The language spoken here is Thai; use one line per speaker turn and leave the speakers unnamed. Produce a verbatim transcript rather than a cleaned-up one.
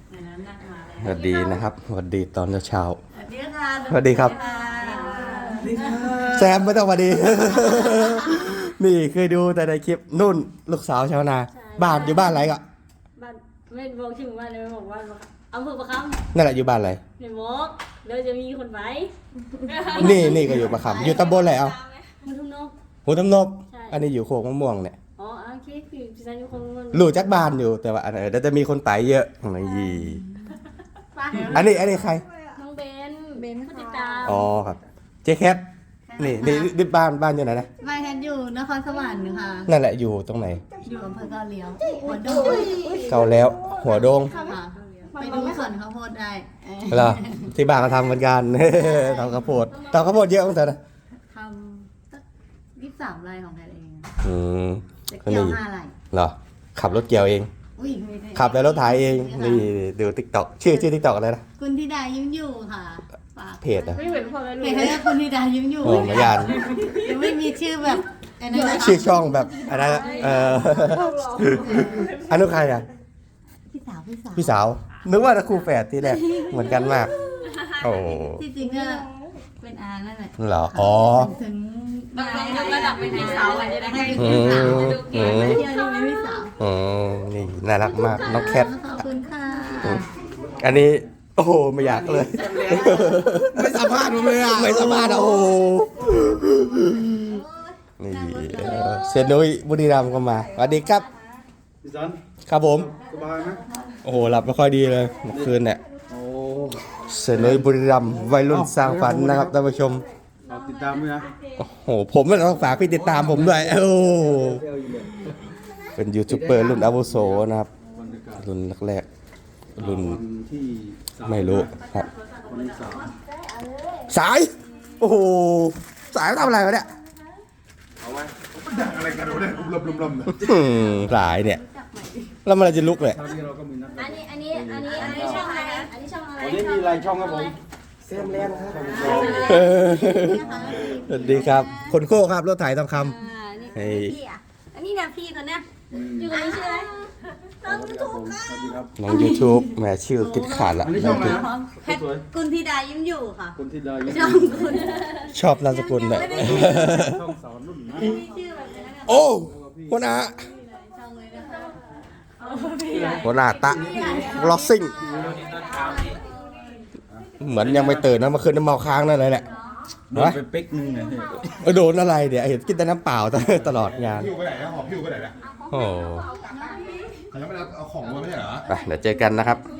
สวัสดีนะครับสวัสดีตอนเช้า
สวัสดีค่ะ
สวัสดีครับแซมไม่ต้องสวัสดี นี่เคยดูแต่ในคลิปนุ่นลูกสาวชาวนาบ้านอยู่บ้านอะไรก็
บ้านไม่บอกชื่อบ้านเลยบอกว่าอำเภอประคำ
นั่นแหละอยู่บ้านอะไร
ในมกเดี๋ยวจะมีคนไป
นี่นี่ก็อยู่ประคำอยู่ตำบลอะไรเอา
มันทุ่งนก
หูตำนบ
ใช่
อันนี้อยู่โคกมะม่วงเนี่ย
อ๋อโอเคคือพี่ซันอยู่คงมัน
รู้จักบ้านอยู่แต่ว่าอันเออเดี๋ยวจะมีคนไปเยอะอะไรยีอันนี้อันนี้ใคร
น้องเบนเบนผู้ติดตาม
อ๋อครับเจ๊แคทนี่นี่นี่บ้านบ้านอยู่ไหนนะ
บ้านฉันอยู่นครสวรรค์ค่ะ
นั่นแหละอยู่ตรงไหน
อยู่อำเภอเกาเหลียวหัวดง
เก่าแล้วหัวโดง
ค่ะไปดูสวนข้าวโพดได้เออ
เหรอที่บ้านก็ทำเหมือนกัน ทำข้าวโพดทำข้าวโพดเยอะมั้งเถอะนะ
ทำสักยี่สิบสามไร่ของแพทย์เอง
อืม
จะ
คน
เกี่ยว
นี้
ห้าไร่
เหรอขับรถเกี่ยวเอง
อุ้ยไม่ได้
ขับแล้วรถถ่ายเองนี่ดูติ๊กต็อกชื่อชื่อติ๊กต็อกอะไรนะ
คุณธิดายิ้มอยู่ค่ะฝาก
เพจอะ
ไม่เหมือนพ่อแม่ลู
เพ
ก
จเขาเรียกคุณธิดายิ้มอยู่
โอ้ไม่ยาน
ยังไม่มีชื่อแบบไอ้นั่นนะคะ
ชื่อช่องแบบอะไรนะเออ อันนู้นใครอ่ะ
พี่สาวพี่สาว
พี่สาวนึกว่าจะคู่แฝดที่แรกเหมือนกันมากโอ้
ที่จริงก็เป็นอานั่นแหละ
เหรออ๋อ
ถึง
ต้องยกระดับเป็นพี่สาวอ่ะจะได้
ให้
ให้
เป็นพี่สาว
อืม
เที่ยวนี่เป็นพี่สาว
อืมนี่น่ารักมากน้องแคท
ขอบคุณค่ะ
อันนี้โอ้โหไม่อยากเลย
ไม่สัมภาษณ์ผมเลยอ่ะ
ไม่สามารถอ่ะโอ้โหนี่เออเซยนนุ้ยบุรีรัมย์ก็มาสวัสดีครับ
พี่สัน
ครับผม
สบายไหม
โอ้โหหลับไม่ค่อยดีเลยเมื่อคืนเนี่ย
โอ้
เซยนนุ้ยบุรีรัมย์วัยรุ่นสร้างฝันนะครับท่านผู้ชม
ฝากติดตามด้วยนะ
โอ้โหผมมันต้องฝากพี่ติดตามผมด้วยโอ้โหเป็นยูทูบเบอร์รุ่นอาวุโสนะครับ
บรรยากาศ
รุ่นแรกๆรุ่น
วันที่สาม
ไม่รู้ครับ
วันที่สาม
สายโอ้โหสายทำอะไรวะเนี่ย
เอาไว้ดังอะไรกันวะเนี่ยลมลมลมเนี่ย
อืมสายเนี่ยแล้วมันจะลุกเลย
คราวนี้เราก็มีนัด
อันนี้อันนี้อันนี้อันนี้ช่องอะไรอันนี้ช่องอะไร
วันนี้มีรายช่องครับผม
เออสวัสดีครับคนโค้ครับรถไถทองค
อ่านี่
ำเฮ้ย
พี่อ่ะอันนี้เนี่ยพี่คนเนี้ยอยู่คนนี้ชื่ออะไรน้อง
ครับผมสวัสดีครับ
น้อง YouTube แหมชื่อคิดขาดละ
อันนี้ช่องอะไรนะ
แพทย์คุณธิดายิ้มอยู่ค่ะ
คนที่ได้ยิน
ช่องคุณ
ชอบนามสกุลเนี่ย
ช่องสอนรุ่นนะ
มีชื่อแบบนี้นะ
โอ้หัวหน้า
ช่องเลยนะคะ
หัวหน้าตะลอสซิ่งเหมือนยังไม่ตื่นนะเมื่อคืนน้ำเมาค้างนั่นเลยแหละ
โดนไปเป๊กนึงเนี่ย
เออโดนอะไรเดี๋ยวเห็นกินแต่น้ำเปล่าตลอดงาน
พิ้วไปไหนนะหอบพิ้วไปไหนนะ
โอ้
เขายังไม่ได้เอาของมาไม่ใช่เหรอ
ไปเดี๋ยวเจอกันนะครับ
อ